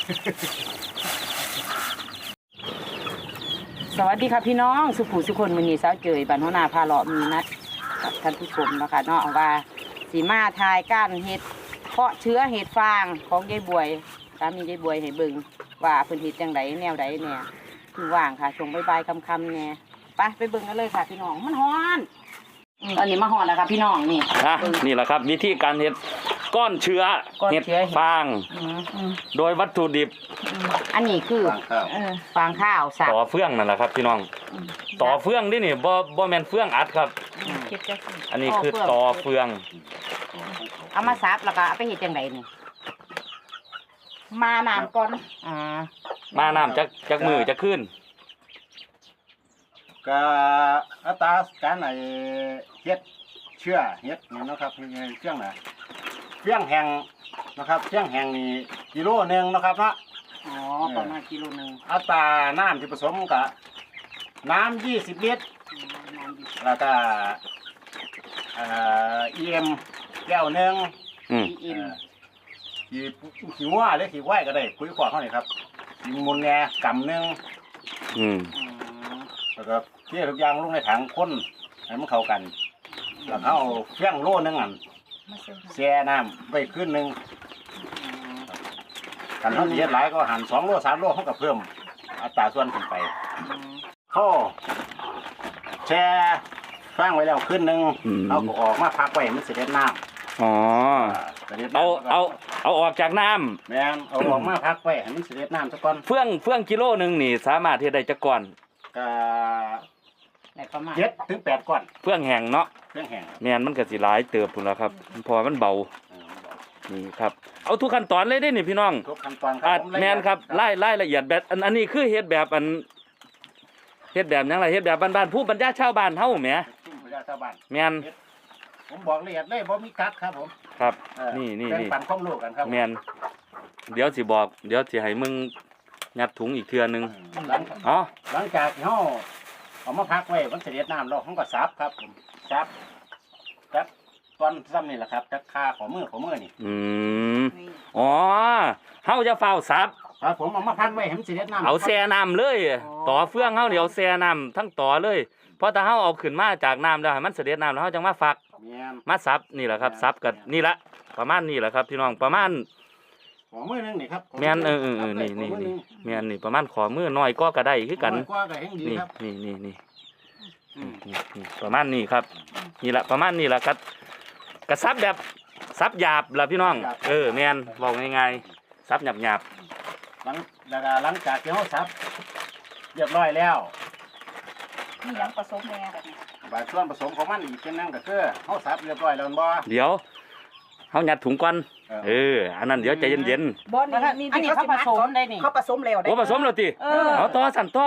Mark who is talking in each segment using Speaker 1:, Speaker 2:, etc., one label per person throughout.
Speaker 1: สวัสดีค่ะพี่น้องสุขุสุคนมื้อนี้สาวเจยบ้านหัวหน้าพาเลาะมีนัดกับท่านผู้ชมนะคะเนาะว่าสีมาทายก้านเห็ดเพาะเชื้อเห็ดฟางของยายบวยสามียายบวยให้เบิ่งว่าเพิ่นเฮ็ดจังไดแนวใดเนี่ยคือว่างค่ะช่วงบ่ายๆค่ำๆเนี่ยไปเบิ่งกันเลยค่ะพี่น้องมันฮ้อนตอนนี้มาฮ้อนแล้วค่ะพี่น้องนี่
Speaker 2: นี่แหละครับวิธีการเห็ดก้อนเชื้อเห็ดฟางโดยวัตถุดิบ
Speaker 1: อันนี้คือฟางข้าวสับ
Speaker 2: ต่อเฟื่องนั่นแหละครับพี่น้องต่อเฟื่องนี่บ่แม่นเฟื่องอัดครับอันนี้คือต่อเฟื่อง
Speaker 1: เอามาสับแล้วก็เอาไปเฮ็ดจังไดนี่มาน้ำก่อน
Speaker 2: มาน้ำจักมือจะขึ้น
Speaker 3: ก็อัตราการเฮ็ดเชื่อเฮ็ดนี่นะครับเครื่องน่ะเครื่องแห้งนะครับเครื่องแห้งนี่กิโลนึงนะครับเนาะ
Speaker 1: ประมาณกิโลนึง
Speaker 3: อัตราน้ำที่ผสมกับน้ำ20 ลิตรแล้วก็EM แก้วนึง
Speaker 1: EM
Speaker 3: ขี้วัวหรือขี้ควายก็ได้คุยขวดเท่านี้ครับขี้มูลแง่กำนึงแล้วก็เที่ยทุกอย่างลงในถังข้นให้มันเข้ากันแล้วเขาเฟี้ยงโล่นึงแช่น้ำไว้ขึ้นนึงกันเขาเยอะหลายก็หั่น2 โล 3 โลเขาก็เพิ่มอัตราส่วนขึ้นไปเขาแช่ฟางไว้แล้วขึ้นนึงเอาออกมาพักไว้มันเสด็จน้ำ
Speaker 2: เอาออกจากน้ำ
Speaker 3: แม่นเอาออกมาพักไว้ให้มันเสด็จน้ำซะก่อน
Speaker 2: เฟื่องกิโลนึงนี่สามารถเฮ็ดได้จักก่อน
Speaker 3: ก็7 ถึง 8 ก้อน
Speaker 2: เฟื่องแห้งเนาะ
Speaker 3: เฟื่องแห้ง
Speaker 2: แม่นมันก็สิหลายเติบพุ่นล่ะครับพอมันเบานี่ครับเอาทุกขั้นตอนเลยได้นี่พี่น้อง
Speaker 3: ทุกขั้นตอนครับ
Speaker 2: แม่นครับรายละเอียดแบบอันนี้คือเฮ็ดแบบเฮ็ดแบบหยังล่ะเฮ็ดแบบบ้านๆผู้บรรยาชาวบ้านเฮาแหมแม่น
Speaker 3: ผมบอกละเอียดเลยบ่มีกักครับผม
Speaker 2: ครับนี่
Speaker 3: ปั่นความรู้กันครับ
Speaker 2: แม่นเดี๋ยวสิบอกเดี๋ยวสิให้มึงยัดถุงอีกเทื่อนึง
Speaker 3: หลังจากเฮาเอามาพักไว้มันเสด็จน้ำแล้วเฮาก็ซับครับผมซับตอนซ้ำนี่แหละครับจักคาของมือนี่
Speaker 2: เฮาจะเฝ้าซับ
Speaker 3: ครับผมเอามาพักไว้ให้มันเสด็จน้ำ
Speaker 2: เอาแช่น้ำเลยต่อเฟื่องเฮาเดี๋ยวแช่น้ำทั้งต่อเลยเพราะถ้าเฮาเอาขึ้นมาจากน้ำแล้วให้มันเสด็จน้ำแล้วเฮาจังมาฝักมาซับนี่แหละครับซับกับนี่ละประมาณนี้แหละครับพี่น้องประมาณ
Speaker 3: ขอมือนึงนี่ครับ
Speaker 2: แม่นนี่แม่นนี่ประมาณขอมือน้อยก็ได้คือกันนี่ประมาณนี้ครับนี่แหละประมาณนี้แหละครับกระซับแบบซับหยาบล่ะพี่น้องแม่นบอกง่ายๆซับหยาบ
Speaker 3: หลังจากที่เฮาซับเรียบร้อยแล้ว
Speaker 1: มีหยังผสมแน่แบบนี้
Speaker 3: บางส่วนผสมของมันอีกเป็นนั่นก็คือเฮาซับเรียบร้อยแล้วบ่
Speaker 2: เดี๋ยวเฮายัดถุงก่อนอันนั้นเดี๋ยวใจเย็น
Speaker 1: ๆบ่นี่อันนี้เขาผสมได้นี่
Speaker 4: เขาผสมแล้วได้
Speaker 2: ผสมแล้วติเอาต่อสั่นต่อ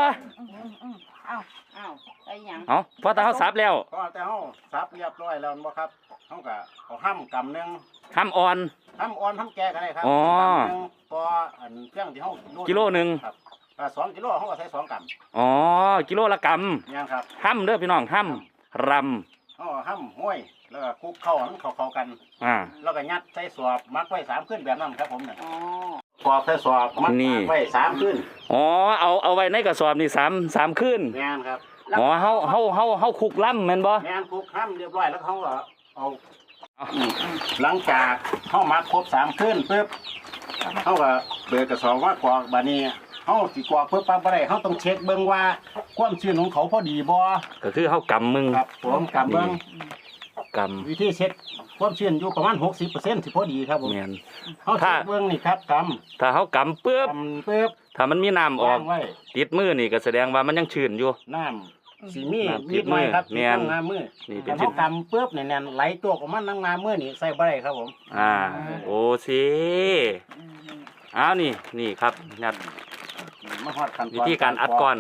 Speaker 1: ได้หยัง
Speaker 2: พอแต่เฮาซับแล้ว
Speaker 3: พอแต่เฮาซับเรียบร้อยแล้วบ่ครับเฮาก็เอาห้ำกำนึง
Speaker 2: ห้ำอ่อน
Speaker 3: ห้ำแก่ก็ได้ครับพออันเครื่องที่เฮา
Speaker 2: กิโลนึง
Speaker 3: ครับ2 กิโลเฮาก็ใส่2 ก
Speaker 2: ำกิโลละก
Speaker 3: ำยังครับ
Speaker 2: ห้ำเด้อพี่น้องห้ำร
Speaker 3: ำห้ำห้วยแล้วก็คลุกเข้าให้มันเข้ากันแล้วก็ยัดใส่สอบมักไว้3 คืนแบบนั้นครับผมเนี่ยกรอบใส่สอบมัดไว้3 คืน
Speaker 2: เอาไว้ในกระสอบนี่3 คืน
Speaker 3: แม่นครับ
Speaker 2: เฮาคลุกล่ำแม่นบ่
Speaker 3: แม่นคลุกห้ำเรียบร้อยแล้วเขาก็เอาหลังจากเฮามัดครบ3 คืนปึ๊บเฮาก็เปิดกระสอบมากรอกบัดนี้เฮาสิกรอกปึ๊บปั๊บบ่ได้เฮาต้องเช็คเบิ่งว่าความชื้นของเขาพอดีบ่
Speaker 2: ก็คือเฮากำมึง
Speaker 3: ครับผมกำเบิ่งวิธีเช็คความชื้นอยู่ประมาณ 60% สิพอดีครับผม
Speaker 2: แม่น
Speaker 3: เฮาเช็คเบิ่งนี่ครับ
Speaker 2: ถ้าเฮากำปึ๊บถ้ามันมีน้ำออกติดมือนี่ก็แสดงว่ามันยังชื้นอยู่
Speaker 3: น้ำสีมีนิดหน่อยครับติดน้ำมือนี่เป็นเฮากำปึ๊บนี่แน่นไหลตัวออกมาน้ำมือนี่ใส่บ่ได้ครับผม
Speaker 2: โอ้สินี่ครับงัดวิธีการอัดก้อน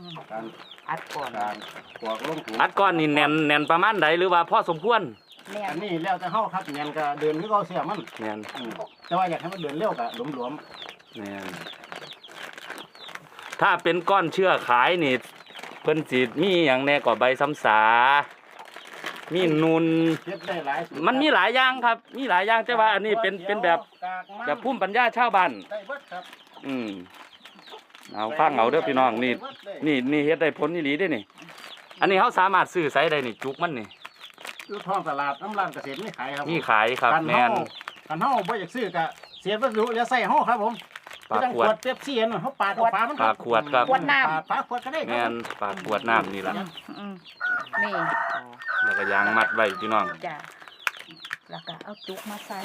Speaker 2: อัดก้อนนี่แน่นประมาณใดหรือว่าพอสมควร
Speaker 3: อันนี้แล้วแต่เฮาครับแน่นก็เดินคือเอาเสียมัน
Speaker 2: แน่น
Speaker 3: แต่ว่าอยากให้มันเดินเร็วก็หลวม
Speaker 2: แน่นถ้าเป็นก้อนเชื่อขายนี่เพิ่นสิมีหยังแน่ก็ใบซ้ำสามีนุนมันมีหลายอย่างครับมีหลายอย่างแต่ว่าอันนี้เป็นแบบภูมิปัญญาชาวบ้านเอาฟังเอาเด้อพี่น้องนี่เฮ็ดได้ผลอีหลีเด้นี่อันนี้เฮาสามารถซื้อไสได้นี่จุกมันนี่
Speaker 3: อยู่ท้องตลาดน้ำร้านเกษตรมีขายครับ
Speaker 2: มีขายครับแม่น
Speaker 3: กันเฮาบ่อยากซื้อก็เสียวัสดุเหลือใส่เฮาครับผม
Speaker 2: ปากขวด
Speaker 3: เป๊ปซี่น่ะเฮาปาดเอาฝามัน
Speaker 2: ปากขวดครับ
Speaker 1: ขวดน้ำ
Speaker 3: ปาดขวดก็ได้ค
Speaker 2: แม่
Speaker 3: รับ
Speaker 2: นปากขวดน้ำนี่ล่ะ
Speaker 1: นี่
Speaker 2: แล้วก็ยางมัดไว้พี่น้อง
Speaker 1: จ้ะแล้วก็เอาจุกมาใส่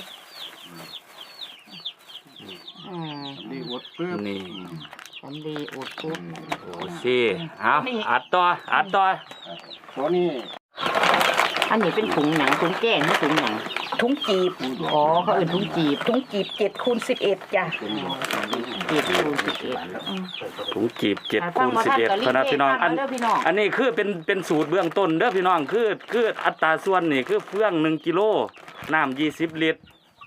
Speaker 3: ดีอดปึ๊บ
Speaker 2: นี่
Speaker 1: สำลีอุดปุ๊บ
Speaker 2: โอเคเอาอัดต่อ
Speaker 3: ตัวนี้
Speaker 1: อันนี้เป็นถุงหนังถุงแก้งหรือถุงหนังถุงจีบอ๋อเขาเอื่นถุงจีบถุงจีบ7x11จ้ะ7x11
Speaker 2: ถุงจีบ7คูณ11พนักพี่น้องอันนี้คือเป็นสูตรเบื้องต้นเด้อพี่น้องคืออัตราส่วนนี่คือเฟื่อง1กิโลน้ำ20ลิตร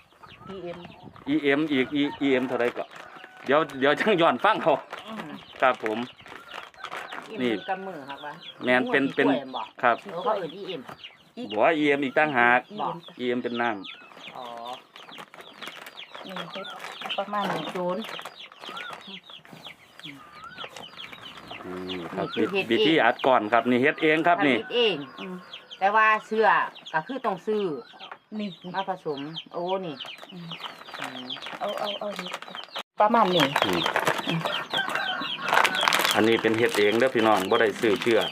Speaker 2: EM อีก EM เท่าไรก็เดี๋ยวจังย้อนฟังเขาครับผม นี่
Speaker 1: กำมือครับว่า
Speaker 2: แม่นเป็นครับ
Speaker 1: เขาเอื่นEM
Speaker 2: บอกว่า EM อีกตั้งหาก
Speaker 1: บอก
Speaker 2: EM เป็นน้
Speaker 1: อ๋อนี่ประมาณ1 0
Speaker 2: ครับ
Speaker 1: นี่คือเฮ็ดเอง
Speaker 2: วิธีอัดก่อนครับนี่เฮ็ดเองครับนี่
Speaker 1: ผลิตเองแต่ว่าเสื้อก็คือต้องซื้อนี่มาผสมโอ้นี่เอาประมาณนี้
Speaker 2: อันนี้เป็นเฮ็ดเองเด้อพี่น้องบ่ได้ซื้อเชื่อ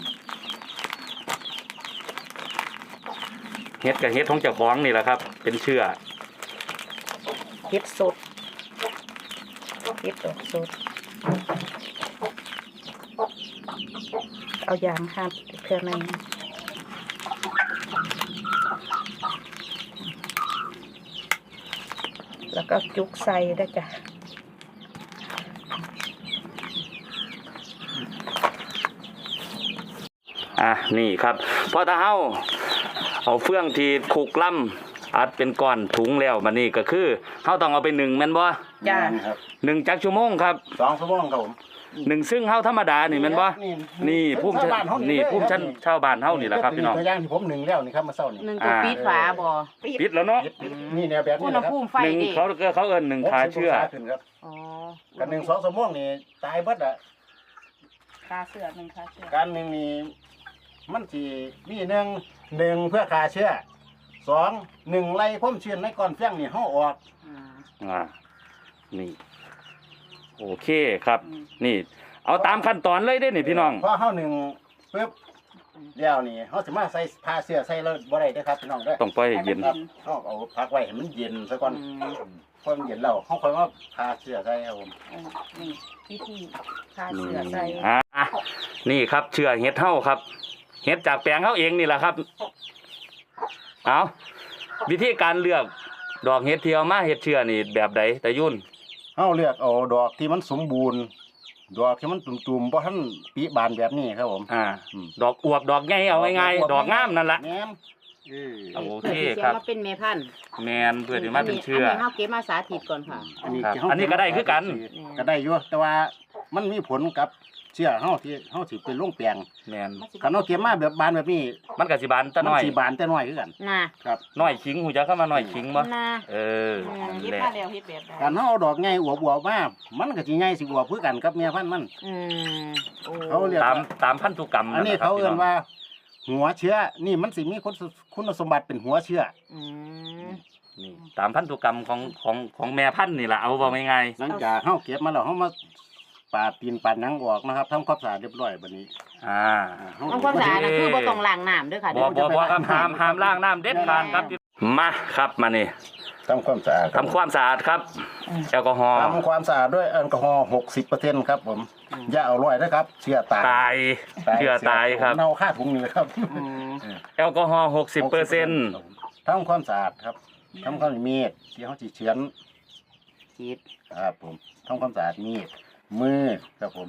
Speaker 2: เฮ็ดกับเฮ็ดของเจ้าของนี่แหละครับ เป็นเชื่อ
Speaker 1: เฮ็ดสดเฮ็ดดอกสดเอายางหัดเพื่อในแล้วก็จุกใส่ได้จ้ะ
Speaker 2: นี่ครับพอถ้าเฮาเอาเฟื่องที่คุกล่ำอัดเป็นก้อนถุงแล้วมันนี่ก็คือเฮาต้องเอาไปนึ่งแม่นบ่
Speaker 1: จ้ะ
Speaker 3: ครับ
Speaker 2: นึ่งจักชั่วโมงครับ
Speaker 3: 2 ชั่วโมงครับผม
Speaker 2: นึ่งซึ่งเฮาธรรมดานี่แม่นบ่นี่ภูมิชั้นชาวบ้านเฮานี่แหละครับพี่น้อง
Speaker 3: ตัวอย่างที่ผมหนึ่งแล้วนี่ครับมาเช้านี่
Speaker 1: หนึ่งตัวปิดฝาบ่
Speaker 2: ปิดแล้วเนาะ
Speaker 3: นี่แนวแบบ
Speaker 1: อุ
Speaker 3: นี้
Speaker 1: ณห
Speaker 3: นะครับ
Speaker 1: ภูมิไฟ
Speaker 2: หนึ่ง
Speaker 1: ดิ
Speaker 2: เขาเอิ้นหนึ่งขาเชื่อ
Speaker 3: ขึ้นครับ
Speaker 1: อ๋อ
Speaker 3: กัน1-2 ชั่วโมงนี่ตายเบิดอ่ะ
Speaker 1: คาเสื้อหนึ่งคาเสื้อ
Speaker 3: การหนึ่งนี่มันสิมีหนึ่งเพื่อฆ่าเชื้อ1ไล่พ่มเชื้อในก้อนเฟี้ยงนี่เฮาออก
Speaker 2: นี่โอเคครับ นี่เอาตามขั้นตอนเลยได้นี่พี่น้อง
Speaker 3: พอเฮาหนึ่งปึ๊บแล้วนี่เฮาสิมาใส่ผ้าเสื้อใส่แล้วบ่ได้เด้อครับพี่น้องเด้อ
Speaker 2: ต้องปล่อยให้เย็น
Speaker 3: ครับเฮาเอาพักไว้ให้มันเย็นซะก่อนพอมันเย็นแล้วเฮาค่อยมาผ้าเสื้อใส่ครับผม
Speaker 1: นี่วิธีคาเสื้อใส่
Speaker 2: นี่ครับเชื่อเฮ็ดเฮาครับเฮ็ดจากแปลงเฮาเองนี่แหละครับเอาวิธีการเลือกดอกเฮ็ดที่เอามาเฮ็ดเชื่อนี่แบบใดตะยุ่น
Speaker 3: เฮาเลือกเอาดอกที่มันสมบูรณ์ดอกที่มันตุ่มๆบ่ทันปีบานแบบนี้ครับผม
Speaker 2: ดอกอวบดอกใหญ่เอาง่ายๆดอกงามนั่นล่ะ
Speaker 3: แม่น
Speaker 2: โอ
Speaker 1: เพื่
Speaker 2: เค
Speaker 1: อที่
Speaker 2: ค
Speaker 1: จะ
Speaker 2: รับ
Speaker 1: มาเป็นเมพันธุ์
Speaker 2: แมนเพื่อที่มาเป็นเชื่อ
Speaker 1: นนี้เฮาเก็บมาสาธิตก่อนค่ะ
Speaker 2: ครับอันนี้ก็ได้คือกัน
Speaker 3: ก็ได้อยู่แต่ว่ามันมีผลกับเชื่อเฮาที่เฮาสิเป็นลงแปลง
Speaker 2: แมน
Speaker 3: คันเฮาเก็บมาแบบบานแบบนี้
Speaker 2: มันก็สิบานตะน้อย
Speaker 3: มัสิบานแต่น้อยคือกัน
Speaker 1: น่ะ
Speaker 3: ครับ
Speaker 2: น้อยขิงหูจักเข้ามาน้อยขิงบ่
Speaker 1: น่ะ
Speaker 2: นี่แหละ
Speaker 1: แล้วเฮ็ดแบบใด
Speaker 3: การเฮาเอาดอกใหญ่อวบๆมามันก็สิใหญ่สิอวบคือกันกับแม่พันธุ์มัน
Speaker 1: โอ้
Speaker 3: เขาเรียก
Speaker 2: ตามพันธุกรรม
Speaker 3: อันนี้
Speaker 2: แหละครับ
Speaker 3: เขาเอิ้น
Speaker 2: พี่ง
Speaker 3: ว่า หัวเชื้อนี่มันสิมีคุณสมบัติเป็นหัวเชื้อ
Speaker 2: นี่ตามพันธุกรรมของแม่พันธุ์นี่แหละเอาบอกง่าย
Speaker 3: หลังจากเฮาเก็บมาแล้วเฮามาปาดตีนปาดหนังออกนะครับทำความสะอาดเรียบร้อยบัดนี้
Speaker 2: ๆอ่า
Speaker 3: เฮา
Speaker 1: ต้องความสะอาดนะคือบ่ต้องล้างน้ำเด้อค่ะ
Speaker 2: บ่ครับห้ามล้างน้ำเด็ดขาดครับมาครับมานี่
Speaker 3: ทำความสะอาด
Speaker 2: ทำความสะอาดครับแอลกอฮอล์
Speaker 3: ทำความสะอาดด้วยแอลกอฮอล์60%ครับผมอย่าเอาร้อยนะครับเชื้อตาย
Speaker 2: ตายเชื่อตายครับ
Speaker 3: เน่าค่าถุงนี่เลยครับ
Speaker 2: แอลกอฮอล์60%
Speaker 3: ทำความสะอาดครับทำความมีดที่เขาจีเฉือน
Speaker 1: ฉีด
Speaker 3: ครับผมทำความสะอาดมีดมือครับผม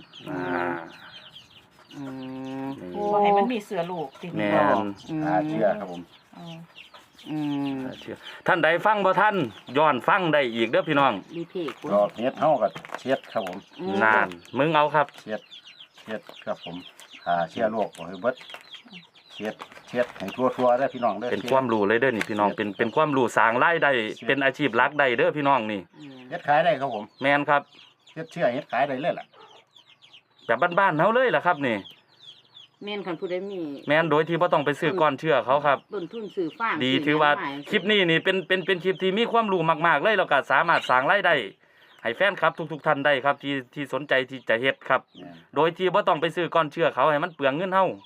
Speaker 1: บ่ให้มันมีเสื้อลูกติ
Speaker 2: แม่น
Speaker 3: เชื่อครับผม
Speaker 2: เชื่อท่านใดฟังบ่ท่านย้อนฟังได้อีกเด้อพี่น้อง
Speaker 1: รีเพย์คุณ
Speaker 3: ดอกเห็ดเฮากับเช็ดครับผม
Speaker 2: นานมึงเอาครับ
Speaker 3: เช็ดครับผมเชื้อโรคบ่ให้เบิดเช็ดให้ทั่วๆได้อพี่น้องเด้อ
Speaker 2: เป็นความรู้เลยเด้อนี่พี่น้องเป็นความรู้สร้างรายได้เป็นอาชีพหลักได้เด้อพี่น้องนี่
Speaker 3: เช็ดขายได้ครับผม
Speaker 2: แม่นครับ
Speaker 3: เฮ็ดเชื่อเฮ็ดขายได้เลยล่ะ
Speaker 2: แบบบ้านๆเฮาเลยล่ะครับนี่
Speaker 1: แม่นคันผู้ใดมี
Speaker 2: แม่นโดยที่บ่ต้องไปซื้อก้อนเชื่อเขาครับ
Speaker 1: ต้นทุนซื้อฟาง
Speaker 2: ดี
Speaker 1: ซื้
Speaker 2: ถือว่า
Speaker 1: หยังม
Speaker 2: คลิปนี้นี่เป็นคลิปที่มีความรู้มากๆเลยแล้วก็สามารถสร้างรายได้ให้แฟนครับทุกๆท่านได้ครับที่สนใจที่จะเฮ็ดครับ โดยที่บ่ต้องไปซื้อก้อนเชื่อเขาให้มันเปลืองเงินเฮา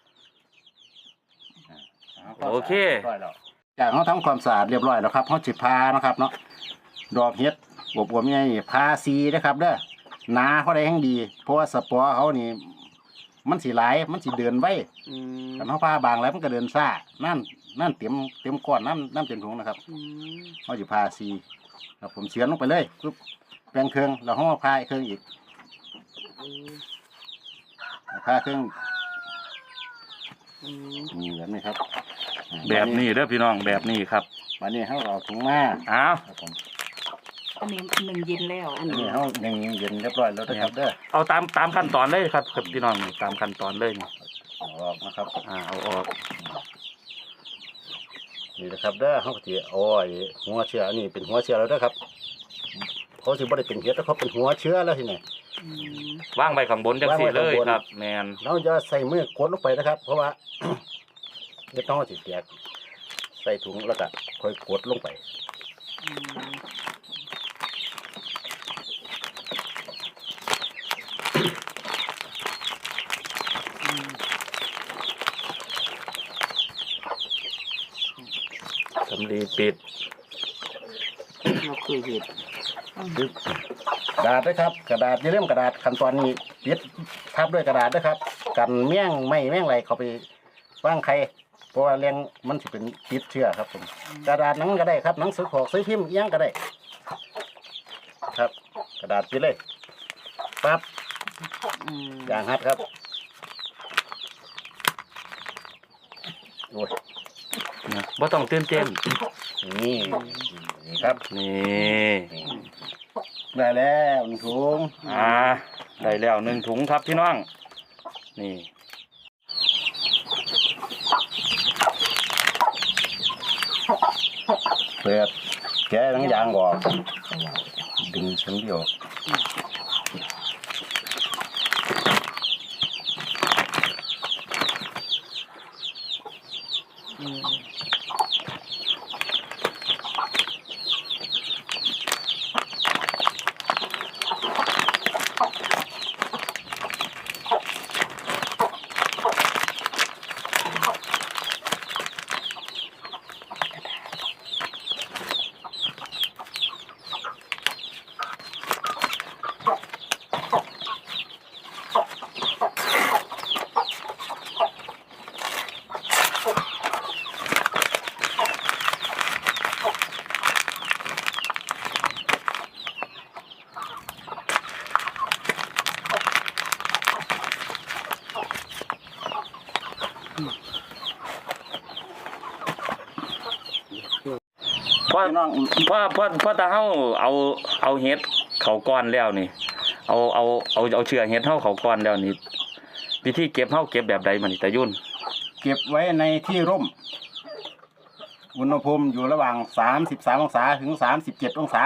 Speaker 2: โอเค
Speaker 3: จากเขาทำความสะอาดเรียบร้อยแล้วครับเขาจิพานะครับเนาะดอกเฮ็ดบวบๆใหญ่พาซีนะครับเด้อหนาเขาได้แห่งดี เพราะว่าสปอร์เขานี่มันสิหลายมันสิเดินไว้
Speaker 1: อืม
Speaker 3: กันเขาพาบางแล้วมันก็เดินซ่านั่นเต็มก้อนน้ำเต็มถุงนะครับ
Speaker 1: อืม
Speaker 3: เขาจะพาซีครับผมเฉือนลงไปเลยปุ๊บแปลงเครื่องแล้วเขามาพาอีกเครื่องอีก
Speaker 1: อืม
Speaker 3: พาเครื่อง
Speaker 1: อืม
Speaker 3: นี่แบบนี้ครับ
Speaker 2: แบบนี้เด้อพี่น้องแบบนี้ครับ
Speaker 3: วันนี้เขาเอาถุงมา
Speaker 2: อ้าว
Speaker 3: ครับผม
Speaker 1: อันนี้หนึ่งเย็นแล้วอัน
Speaker 3: อัน
Speaker 1: นี้
Speaker 3: นี้เขาหนึ่งเย็นเรียบร้อยแล้วนะครับเด้อ
Speaker 2: เอาตามขั้นตอนเลยครับครับพี่น้องตามขั้นตอนเลยนี่
Speaker 3: เอาออกนะครับ
Speaker 2: เอาออก
Speaker 3: นี่นะครับเด้อเขาก็จะเอาไอ้หัวเชื้ออันนี้เป็นหัวเชื้อแล้วเด้อครับเขาสิบ่ได้เป็นเห็ดแล้วเขาเป็นหัวเชื้อแล้วทีนี้
Speaker 1: อืม
Speaker 2: วางไว้ข้างบนจังซี่เลยครับ แมน
Speaker 3: เราจะใส่มือกดลงไปนะครับ เพราะว่า เห็ดน้องสิแตกใส่ถุงแล้วก็ค่อยกดลงไป
Speaker 1: อืม
Speaker 2: สำลีปิด
Speaker 1: เราเคยเห็น
Speaker 3: ดึกกระดาษด้วยครับ กระดาษอย่าลืมกระดาษขั้นตอนนี้ปิดทับด้วยกระดาษด้วยครับ กันแม่งไม่แม่งไรเขาไปว่างใครเพราะว่าแรงมันสิเป็นติดเชื้อครับผมกระดาษหนังก็ได้ครับหนังสือขอกซื้อพิมพ์เอียงก็ได้ ครับ กระดาษปิดเลยปั๊บ
Speaker 1: อืม
Speaker 3: อย่างฮัดครับโอ้ย
Speaker 2: บ่ต้องตื่นเต้น
Speaker 3: นี่นี่ครับ
Speaker 2: นี่
Speaker 3: ได้แล้วหนึ่งถุง
Speaker 2: ได้แล้ว1ถุงครับพี่น้อง นี่
Speaker 3: เปิดแกะหนังยางออกดึงชั้นเดียว
Speaker 1: อืม
Speaker 2: พอ
Speaker 3: พี่น้อง
Speaker 2: พอตาเฮาเอาเห็ดเข้าก้อนแล้วนี่ เอาเชื้อเห็ดเฮาเข้าก้อนแล้วนี่วิธีเก็บเฮาเก็บแบบใดมันนี่ตายุ่น
Speaker 3: เก็บไว้ในที่ร่ม อุณหภูมิอยู่ระหว่าง33องศาถึง37องศา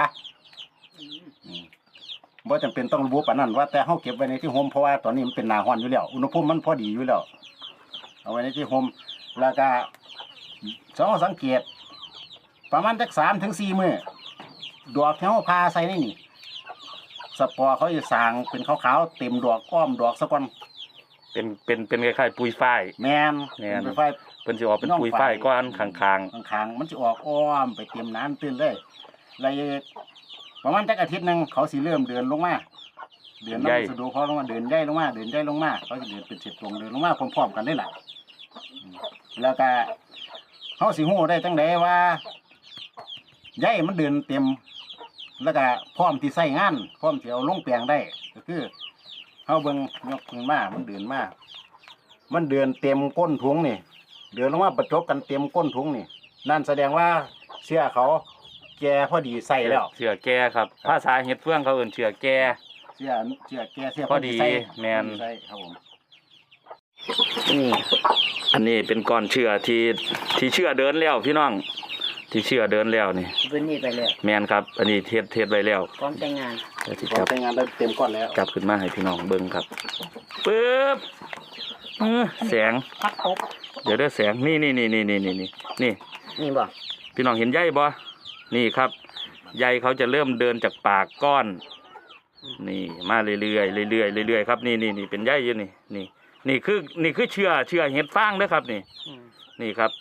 Speaker 3: บ่จำเป็นต้องระบุปานนั้นว่าแต่เฮาเก็บไว้ในที่ห่มเพราะว่าตอนนี้มันเป็นหน้าร้อนอยู่แล้ว อุณหภูมิมันพอดีอยู่แล้ว เอาไว้ในที่ห่มแล้วก็สังเกต ประมาณจัก3 ถึง 4 มื้อดอกที่เฮาพาใส่ในนี่สปอร์เขาจะสร้างเป็นขาวๆเต็มดอกอ้อมดอกซะก่อน
Speaker 2: เป็นคล้ายๆปุ๋ยฝ้าย
Speaker 3: แม่น
Speaker 2: แม่น
Speaker 3: เป็นไฟ
Speaker 2: เพิ่นสิออกเป็นปุ๋ยฝ้ายก้อนข้าง
Speaker 3: ข้างๆมันจะออกอ้อมไปเตรียมน้ำตื้นเลยเลยประมาณจักอาทิตย์หนึงเขาสิเริ่มเดินลงมาเดินน้ำสะดวกเขาลงมาเดินย่ายลงมาเดินย่ายลงมาเขาจะเดินเป็นเศษตรงเดินลงมาพร้อมๆกันได้แหละแล้วก็เขาสิหู้ได้จังไดว่าย่ายมันเดินเต็ม แล้วก็พร้อมที่ใส่งานพร้อมที่เอาลงแปลงได้ก็คือเขาเบิ่งยกขึ้นมามันเดินมามันเดินเต็มก้นถุงนี่ เดินลงมาประจบกันเต็มก้นถุงนี่นั่นแสดงว่าเสื้อเขาแก่พอดีใส่แล้ว
Speaker 2: ๆเชื้อแก่ครับภาษาเห็ดเฟืองเขาเอิ้นเชื้อแก่
Speaker 3: เสื้อแก่เสื้อ
Speaker 2: พอดี
Speaker 3: ใส่
Speaker 2: แม่น
Speaker 3: ใส่ครับผม
Speaker 2: อันนี้เป็นก้อนเชื้อที่เชื้อเดินแล้วพี่น้องที่เชื้อเดินแล้วนี่
Speaker 1: เป็นนี่ไปเลย
Speaker 2: แม่นครับ อันนี้เทศไว้แล้ว
Speaker 1: พร้อมแต่งงาน
Speaker 2: ดี๋ยวสิ
Speaker 3: พร้อ
Speaker 2: จั
Speaker 3: ม
Speaker 2: บ
Speaker 3: ใช้งานได้เต็มก้อนแล้ว
Speaker 2: จับขึ้นมาให้พี่น้องเบิ่งครับปึ๊บแสง
Speaker 1: พักตบ
Speaker 2: เดี๋ยวได้แสงนี่
Speaker 1: นี่บ่
Speaker 2: พี่น้องเห็นใยบ่นี่ครับใยเขาจะเริ่มเดินจากปากก้อนนี่มาเรื่อยๆเรื่อยๆเรื่อยๆครับนี่เป็นใยอยู่นี่คือเชื่อเห็ดฟางเด้อครับนี่ครับ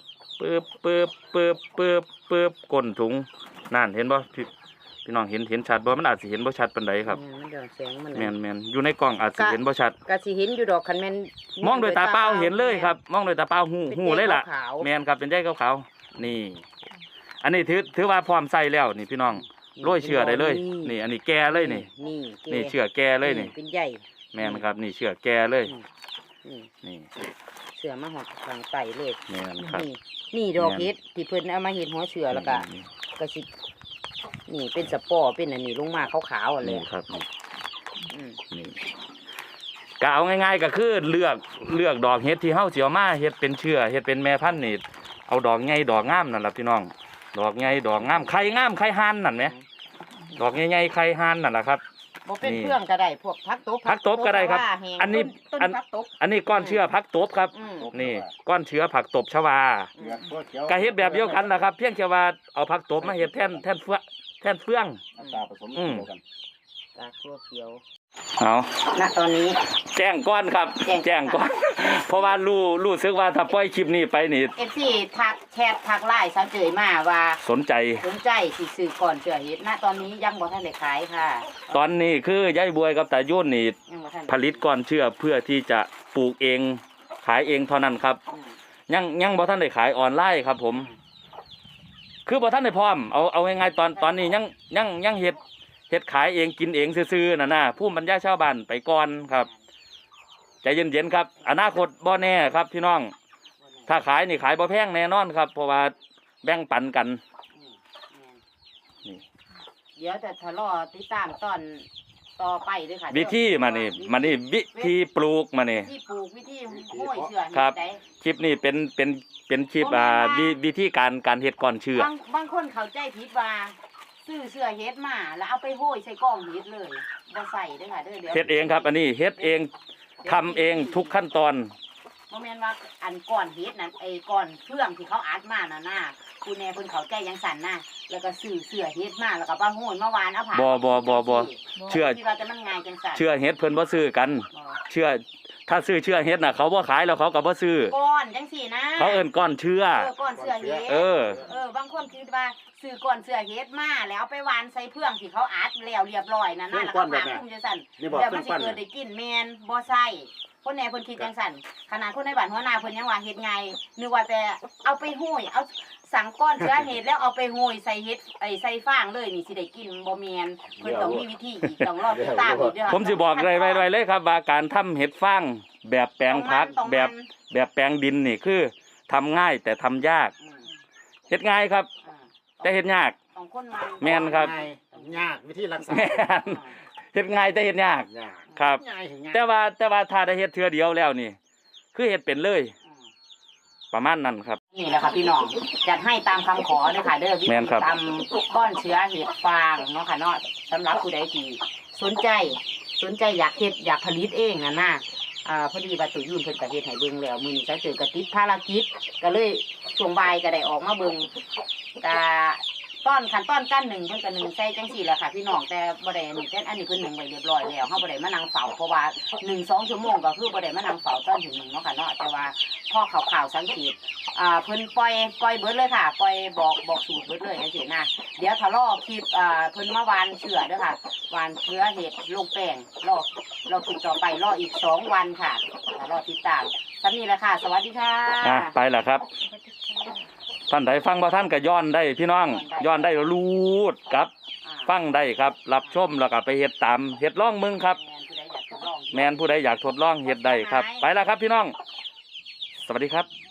Speaker 2: ปึ๊บก้นถุงนั่นเห็นบ่พี่น้องเห็นชัดบ่มันอาจสิเห็นบ่ชัดปานใดครับ
Speaker 1: มันเดือดแสงมัน
Speaker 2: แม่นอยู่ในกล้องอาจสิเห็นบ่ชัด
Speaker 1: ก็สิเห็นอยู่ดอกคันแม่น
Speaker 2: มองโดยตาเปล่าเห็นเลยครับ มองโดยตาเปล่าหูเลยล่ะ
Speaker 1: ขาว
Speaker 2: แม่นครับเป็นใยขาวๆนี่ อันนี้ถือว่าพร้อมใส่แล้วนี่พี่น้องโรยเชื่อได้เลยนี่อันนี้แก่เลยนี่เชื่อแก่เลยนี่
Speaker 1: เป็นใหญ่
Speaker 2: แม่นครับนี่เชื่อแก่เลยนี่
Speaker 1: เสือมาหอดทางไตเลย
Speaker 2: แม่นครับ
Speaker 1: นี่ดอกเห็ดที่เพิ่นเอามาเห็ดหัวเสือแล้วก็กระสินี่เป็นสปอร์เป็นอันนี้ลงมาขาวๆอ่ะเลย
Speaker 2: นี่ครับนี่ก็เอาง่ายๆก็คือเลือกดอกเห็ดที่เฮาสิเอามาเฮ็ดเป็นเชื่อเฮ็ดเป็นแม่พันธุ์นี่เอาดอกใหญ่ดอกงามนั่นล่ะพี่น้องดอกใหญ่ดอกงามไข่งามไข่ห่านนั่นแหมดอกใหญ่ๆไข่ห่านนั่นล่ะครับ
Speaker 1: บ่เป็นเครื่องก็ได้พวกผักตบ
Speaker 2: ก็ได้ครับ อันนี้
Speaker 1: ต้นผักตบ
Speaker 2: อันนี้ก้อนเชื้อผักตบครับ นี่ก้อนเชื้อผักตบชวาก็เฮ็ดแบบเดียวกันนะครับเพียงแค่ว่าเอาผักตบมาเฮ็ดแทนเฟือง
Speaker 3: ตาผสมเดียวกัน
Speaker 1: ตาคั่วเขียว
Speaker 2: เอา
Speaker 1: ณตอนนี้
Speaker 2: แจ้งก้อนครับ แจ้งก้อน เพราะว่ารู้สึกว่าถ้าปล่อยคลิปนี้ไปนี่
Speaker 1: FC ทักแชททักไลน์ซะเจยมาว่า
Speaker 2: สนใจ
Speaker 1: สิซื้อก่อนเชื่อเฮ็ดณตอนนี้ยังบ่ทันได้ขายค่ะ
Speaker 2: ตอนนี้คือยายบวยกับตายุ่นนี่
Speaker 1: ยังบ่ทัน
Speaker 2: ผลิตก้อนเชื้อเพื่อที่จะปลูกเองขายเองเท่านั้นครับ ยังบ่ทันได้ขายออนไลน์ครับผม คือบ่ทันได้พร้อมเอาง่ายๆตอนนี้ยังเฮ็ดขายเองกินเองซื่อๆน่ะผู้บรรยายชาวบ้านไปก่อนครับใจเย็นๆครับอนาคตบ่แน่ครับพี่น้องถ้าขายนี่ขายบ่แพงแน่นอนครับ เพราะว่าแบ่งปันกันนี่
Speaker 1: เดี๋ยวจะทะเลาะติดตามตอนต่อไปด้วยค่ะ
Speaker 2: วิธีมานี่วิธีปลูกมานี่
Speaker 1: วิธีปลูกวิธีห้อยเชื่อ
Speaker 2: ครับ
Speaker 1: ได้
Speaker 2: คลิปนี้เป็นคลิปวิธีการเฮ็ดก้อนเชื้อบ
Speaker 1: างคนเข้าใจผิดว่าซื้อเสื้อเฮ็ดมาแล้วเอาไปห้อยใส่กล่องเฮ็ดเลยบ่ใส่เด้อค่ะเด้อเดี๋ยว
Speaker 2: เฮ็ดเองครับ อันนี้เฮ็ดเองทำเองทุกขั้นตอน
Speaker 1: บ่แม่นว่าอันก่อนเฮ็ดนั่นไอ้ก่อนเครื่องที่เขาอัดมาน่ะคุณแน่เพิ่นเข้าใจจังสั่นแล้วก็ซื้อเสื้อเฮ็ดมาแล้วก็มาห้อยมาวานเอาผ้า
Speaker 2: บ่เชื่อ
Speaker 1: ที่ว่าจะมันง่ายจังสั่น
Speaker 2: เชื่อเฮ็ดเพิ่นบ่ซื้อกัน เชื่อถ้าซื้อเชื่อเฮ็ดน่ะเขาบ่ขายแล้วเขาก็บ่ซื้อ
Speaker 1: ก้อนจังสี่นะ
Speaker 2: เขาเอิ้นก้อนเชื่อ
Speaker 1: ก้อนเสื้อเฮ็ด
Speaker 2: เออ
Speaker 1: บางคนคิดว่าซื้อก่อนเสื้อเฮ็ดมาแล้วเอาไปวานใส่เพื่องที่เขาอัดแล้วเรียบร้อยนั่นแล้วก็ผ่าคลุมจังสั่น
Speaker 3: นี่บอก
Speaker 1: แล้ว
Speaker 3: เค
Speaker 1: มั
Speaker 3: รื่
Speaker 1: น
Speaker 3: อง
Speaker 1: สิ
Speaker 3: ปั้น
Speaker 1: เกิดได้กินแม่นบ่ใส่คนแหน่เพิ่นคิดจังสั่นขนาดคนในบ้านหัวหน้าเพิ่นยังว่าเฮ็ดไงนึกว่าแต่เอาไปห้อยเอาสั่งก้อนเสื้อเฮ็ดแล้วเอาไปห้อยใส่เฮ็ดใส่ฟางเลยนี่สิได้กินบ่แม่นเพิ่นต้องมีวิธีอีกต้องรอติดตามอีกเด้อ
Speaker 2: ผมสิบอกไว้เลยครับว่าการทำเห็ดฟางแบบแปลงผักแบบแปลงดินนี่คือทำง่ายแต่ทำยากเฮ็ดง่ายครับ แต่เฮ็ดยาก
Speaker 1: ของคนมัน
Speaker 2: แม่นครับ
Speaker 3: ยากวิธีรักษา
Speaker 2: แม่นเฮ็ดง่ายแต่เฮ็ดยาก
Speaker 3: ยาก
Speaker 2: ครับ
Speaker 3: ง่ายถึงง่าย
Speaker 2: แต่ว่าถ้าได้เฮ็ดเทื่อเดียวแล้วนี่ คือเฮ็ดเป็นเลย ประมาณนั้นครับ
Speaker 1: นี่แหละค่ะพี่น้องจัดให้ตามคำขอเลยค่ะเด้อวิ
Speaker 2: แม่
Speaker 1: ธี
Speaker 2: นครับ
Speaker 1: ตำก้อนเชื้อเห็ดฟางเนาะค่ะเนาะสำหรับผู้ใดที่สนใจอยากเฮ็ดอยากผลิตเองน่ะพอดีว่าตุยุ่นเพิ่นก็เฮ็ดให้เบิ่งแล้วมื้อนี้จะเจอกระติดภารกิจก็เลยช่วงบ่ายก็ได้ออกมาเบิ่งก็ขั้นตอนการหนึ่งเพิ่นก็หนึ่งใส่จังซี่แหละค่ะพี่น้องแต่บ่ได้นี่แต่อันนี้เพิ่นหนึ่งไว้เรียบร้อยแล้วเฮาบ่ได้มานั่งเฝ้าเพราะว่า 1-2 ชั่วโมงก็คือบ่ได้มานั่งเฝ้าตอนถึง1เนาะค่ะเนาะแต่ว่าพอข่าวๆสังเกตเพิ่นปล่อยเบิดเลยค่ะปล่อยบอกสูตรเบิดเลยจังซี่นะเดี๋ยวถ้ารอคลิปเพิ่นมาวานเชื้อเด้อค่ะวานเชื้อเห็ดลงแป้งรอคลิปต่อไปรออีก2วันค่ะรอติดตามซั่นนี้แหละค่ะสวัสดีค่ะ
Speaker 2: ไปล่ะครับ ท่านใดฟังบ่ท่านก็ย้อนได้พี่น้องย้อนได้รูดครับ ฟังได้ครับ รับชมแล้วก็ไปเฮ็ดตามเฮ็ดลองมึงครับ แม่นผู้ใดอยากทดลองเฮ็ดได้ครับ ไปแล้วครับพี่น้อง สวัสดีครับ